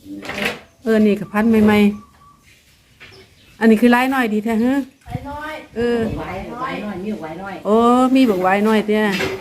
นี่กับพันใหม่ๆอันนี้คือลายน้อยดีแท้ฮะไว้น้อยไว้น้อยมีไว้น้อยโอ้มีบักไว้น้อยเตี้ย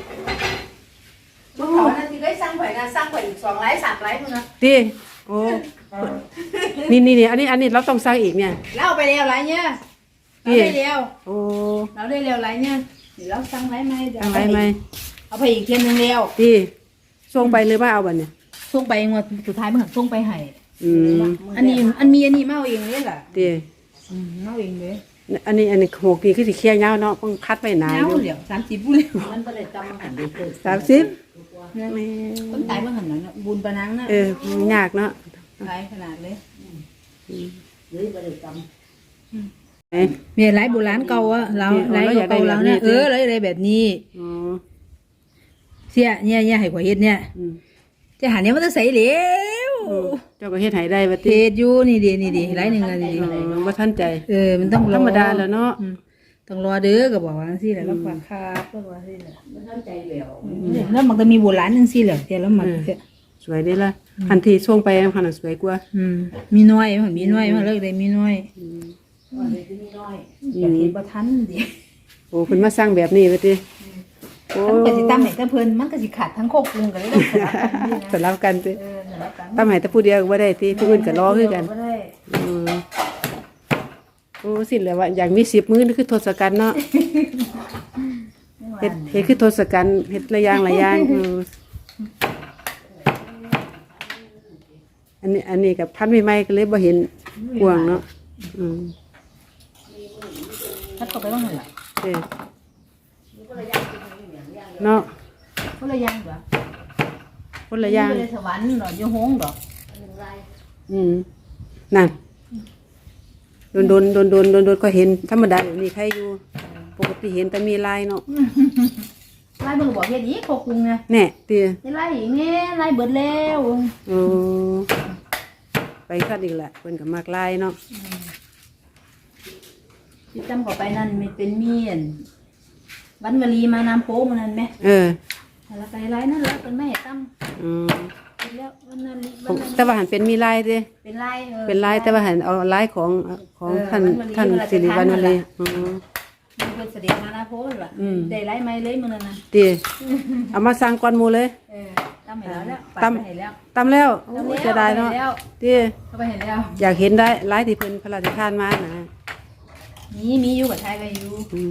เขานั่นที่ได้สร้างไว้นะสร้างไว้อีก2 ไร่ 3 ไร่มึงนะตีโอ้นี่อันนี้เราต้องสร้างอีกเนี่ยเราเอาไปเร็วไรเนี่ยเราได้เร็วโอ้เราได้เร็วไรเนี่ยเดี๋ยวเราสร้างไรไหมเดี๋ยวสร้างไรไหมเอาไปอีกเทียนนึงเร็วตีส่งไปเลยว่าเอาบัดเนี่ยส่งไปงวดสุดท้ายมึงส่งไปให้ อันนี้เมาเองเลยล่ะตีเมาเองเลยอันนี้โหกดีคือสิเคี่ยวยาวเนาะต้องคัดไว้นานเงาอยู่เดี๋ยว30 บุญเลยมันก็เลยจำหันไปเกิด 30แม่ต้นตายเมื่อหันนั้นบุญปะนังนะมันยากเนาะหลายขนาดเลยหรือก็เลยจเมียไรโบราณเก่าอะเราไรเก่าเราเนี่ยไรอะไรแบบนี้อ๋อเสียเนี่ยให้ข่อยเฮ็ดเนี่ยจะหาเนี่ยมันจะใส่เหลวเจ้าก็เฮ็ดให้ได้บัดเทนี้ศอยู่นี่ดีไรหนึ่งอะนี่ดีบ่ทันใจมันต้องรอธรรมดาแล้วเนาะต้องรอเด้อก็บอกว่าสิแหละแล้วฝากครับก็ว่าสิแหละำมันเข้าใจแล้วแล้วมันก็มีโบราณจังซี่แหละแต่แล้วมันสวยเด้ล่ะทันทีส่งไปพันสวยกว่ามีน้อยมันมีน้อยมันเลิกได้มีน้อยว่าเลยที่นี่น้อยอยากเห็นบ่ทันดิโอ้เพิ่นมาสร้างแบบนี้บัดนี้โอ้มันก็สิตามให้แต่เพิ่นมันก็สิขาดทั้งโคกกรุงก็เลยต้องสลับกันนี่นะสลับกันติสลับกันตามให้แต่ผู้เดียวก็บ่ได้ติผู้อื่นก็รอคือกันบ่ได้โอ้สิแล้วว่าอยากมี10มื้อนี่คือทศกัณฐ์เนาะเฮ็ดคือทศกัณฐ์เฮ็ดหลายอย่างอันนี้กับพันใหม่ๆก็เลยบ่เห็นกวางเนาะถ้าเข้าไปว่าหั่นล่ะเนาะคนละอย่างเหรอคนละอย่างอยู่ในสวรรค์ดอกอยู่โฮงดอกนั่นโดนก็เห็นธรรมดาแบบนี้ใครอยู่ปกติเห็นแต่มีลายเนาะไล่เบิ่งบอกเฮ็ดอีกโคกกรุงเนี่ยแน่เตี้ยไล่อีกแน่ไล่เบิดแล้วโอ้ไปคัดอีกละเพิ่นก็มากลายเนาะสิจำเข้าไปนั่นมันเป็นเมียนวันวลีมาน้ำโพมันนั่นแม่ แล้วไปไล่นั่นแล้วเป็นแม่ตั้มแล้ววันนั้นแต่ว่าหันเป็นมีลายเด้เป็นไล่เป็นลายแต่ว่าหันเอาลายของท่านสิริวัณวลีมันเป็นเสด็จมานาโพล่ะได้ไล่ไม้เลยมื้อนั้นน่ะตีเอามาสร้างก้อนหมูเลยตั้มให้แล้วปัดไปให้แล้วตำแล้วโอ้จะได้เนาะตีเข้าไปเห็นแล้วอยากเห็นได้ลายที่เพิ่นพระราชทานมานะมีอยู่กับไทยก็อยู่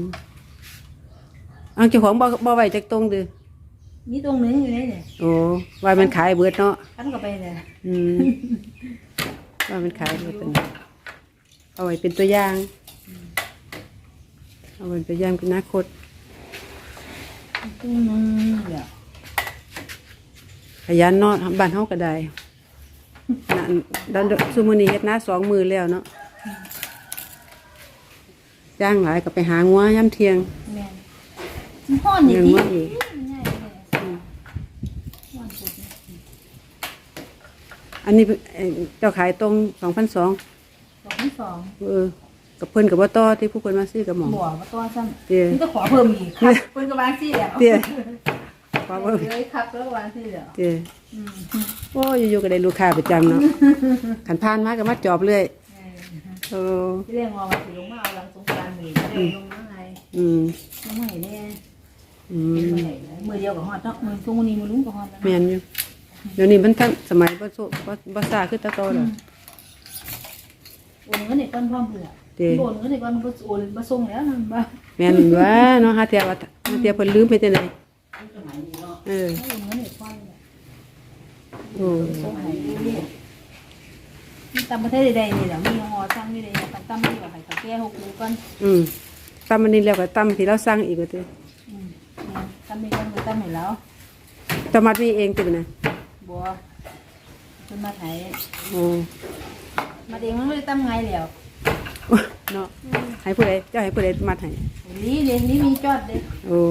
เอาเจ้าของบ่ไว้จักตรงเด้อมีตรงนึงอยู่นี่เนี่ยโอ้ว่ามันขายเบิดเนาะตั้มเข้าไปเลยว่ามันขายเบิดเอาไว้เป็นตัวอย่างเอาไว้เป็นตัวอย่างเป็นอนาคตตรงนึงเดี๋ยวขยันเนาะบ้านเฮาก็ได้ดันซุมื้อนี้เฮ็ดนา2 มื้อแล้วเนาะจ้างหลายก็ไปหางัวยามเที่ยงแม่นฮ้อนนี่เลี้ยงติงัวอีกอันนี้เจ้าขายตรง 2,200 2,200 กับเพิ่นก็บ่ต่อที่ผู้เพิ่นมาซื้อกับหมอบ่ว่าตัวซ้ำเตี้ยนี่ก็ขอเพิ่มอีกครับเพิ่นก็วางซี่แล้วเตี้ยขอเพิ่มเลยครับแล้ววางซี่แล้วเตี้ยโอ้อยู่ๆก็ได้ลูกค้าประจำเนาะขันผ่านมาก็มาจอบเรื่อยโอ้ที่เรียกว่าสิลงมาเอาหลังสงกรานต์นี่ก็ได้ลงมาไงลงมาให้แน่มือเดียวกับฮอดเนาะมือซุงนี้มือลุงกับฮอดแล้วแม่นอยู่เดี๋ยวนี้มันทันสมัยบ่ซ่าคือแตะโตแล้วโอนเงินให้ก่อนพร้อมเผื่อโอนเงินให้ก่อนบ่โอนบ่ส่งแล้วนั่นบ่แม่นว่าเนาะหาเที่ยเพิ่นลืมไปจังได๋สมัยนี้เนาะโอนเงินให้ก่อนโอ้ส่งให้ตามประเทศใดๆนี่แหละมีฮอสั่งอยู่ได้ตามที่ว่าให้เขาแก้6มื้อก่อนตำอันนี้แล้วก็ตำที่เราสั่งอีกว่าติตามนี้ก่อนตามให้แล้วตำมัดมีเองติบัดน่ะบ่เพิ่นมาให้โอ้มาเองมันบ่ได้ตามไงแล้วเนาะให้ผู้ใดเจ้าให้ผู้ใดมัดให้นี่มีจอดเด้โอ้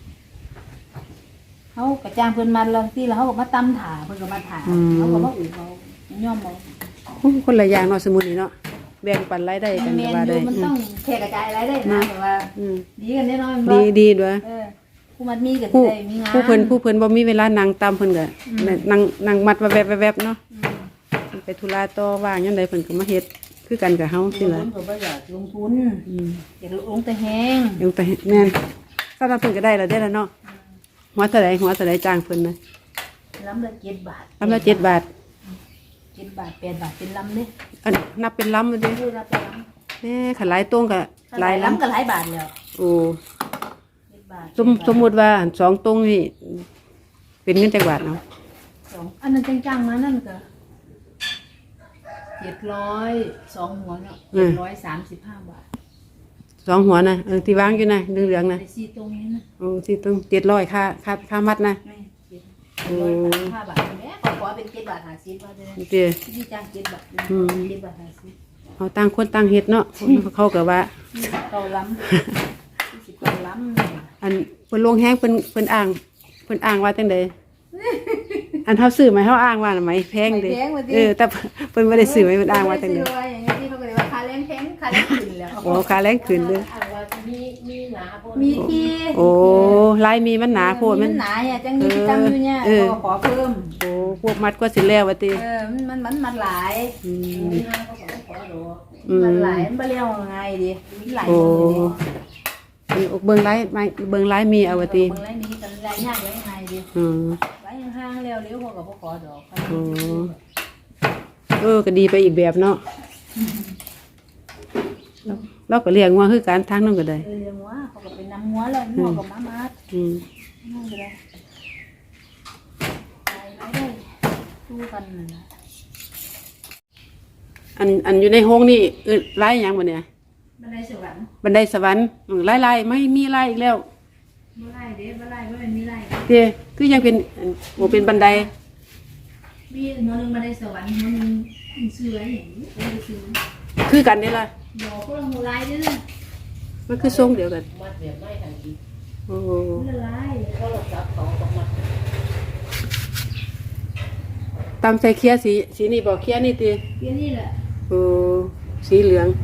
เขากระจ้างเพิ่นมาลองที่แล้วเขาก็มาตำถาเพิ่นก็มาถาเขาก็มาอุ่นเขาย่อมเอาคนละอย่างเนาะสมุนนี่เนาะแบ่งปันรายได้กันแมนว่าอได้ยู่มันต้องแค่กระจายรายได้นะแต่ว่าดีกันแน่นอนดีด้วยผู้มัดมีก็ผู้ได้มีงานผู้เพิ่นบ่มีเวลานั่งตามเพิ่นก็นั่งมัดแวบๆเนาะไปธุระต่อว่างยามใดเพิ่นก็มาเฮ็ดคือกันกับเฮาสิล่ะลงทุนก็บ่อยากลงทุนอยากลงแต่แห้งยังแต่แม่นถ้าเราเพิ่นก็ได้แล้วได้แล้วเนาะหัวเท่าใดจ้างเพิ่นนะลำละ7 บาทลำละ7 บาท 7 บาท8 บาทเป็นลำเด้อันนับเป็นลำเลยเด้คือรับเป็นลแม่ขันหลายตรงก็ำหลายลลำก็หลายบาทแล้วำโอ้ 7 บาทสมมุติว่าอัน2ตรงนี่เป็นเงินจักบาทเนาะ 2อันนั้นจังๆนะนั่นก็700 2หัวเนาะ735 บาท 2หัวนะที่วางอยู่นะเหลืองๆนะไป4ตรงนี้นะโอ้ที่ตรง700ค่ามัดนะไม่735 บาทแม่ขอเป็น7 บาท50บาทเลยเด้อที่จ้าง7 บาท7 บาท50 เอาต่างคนต่างเฮ็ดเนาะเขาก็ว่าเกาล้ำสิเกาล้ำอันเพิ่นลงแฮงเพิ่นอ้างว่าจังไดอันเฮาซื้อไหมเฮาอ้างว่าไหมแพงเด้แต่เพิ่นบ่ได้ซื้อไหมเพิ่นอ้างว่าจังไดอย่างนี้ที่เขาก็เลยว่าค่าแรงแพงค่าแรงขึ้นแล้วโอ้ค่าแรงขึ้นเด้ออ่านว่ามีหนาโพดมีที่โอ้ลายมีมันหนาโพดมันหนาเนี่ยจังมีที่ตั้งอยู่เนี่ยก็ขอเพิ่มโอ้พวกมัดก็สิแล้วว่าติมันหลายอืมมีหนาเขาก็ขอดูมันหลายมันบ่เรียกว่าไงดิมันหลายโอ้เลยเบิ่งไลายมีเอาว่าติเบิ่งไรนี้กันไรยากไรไงดิอืมไรห่างๆแล้วเลี้ยวเขาก็บ่ขอดอกก็ดีไปอีกแบบเนาะเราก็เลี้ยงงัวคือการทางนั้นก็ได้เลี้ยงวัวเขาก็เป็นน้ำงัวแล้วงัวก็มาอืมนั่นก็ได้ไปได้สู้กันนั่นล่ะอันอยู่ในห้องนี่ลายหยังบ่เนี่ยบันไดสวรรค์บันไดสวรรค์ลายไม่มีลายอีกแล้วบ่ไล่เด้บ่ไล่บ่แม่นมีไล่เด้คือยังเป็นเป็นบันไดมีหมอนึงบันไดสวรรค์หมอนึงเสืออย่างนี้เป็นเสือคือกันนี่ล่ะบ่ก็ลงไล่เด้อมันคือทรงเดียวกันมัดแบบไม่ทันทีโอ้ละลายโทรศัพท์เขาก็มัดตามใส่เคียสีนี่บ่เคียนี่ติเพียงนี่แหละโอ้สีเหลือง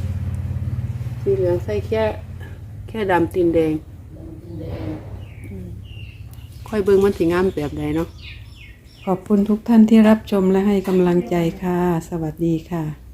ใส่แค่ดำตีนแดงแดงค่อยเบิ่งมันสิงามแบบใดเนาะขอบคุณทุกท่านที่รับชมและให้กำลังใจค่ะ สวัสดีค่ะ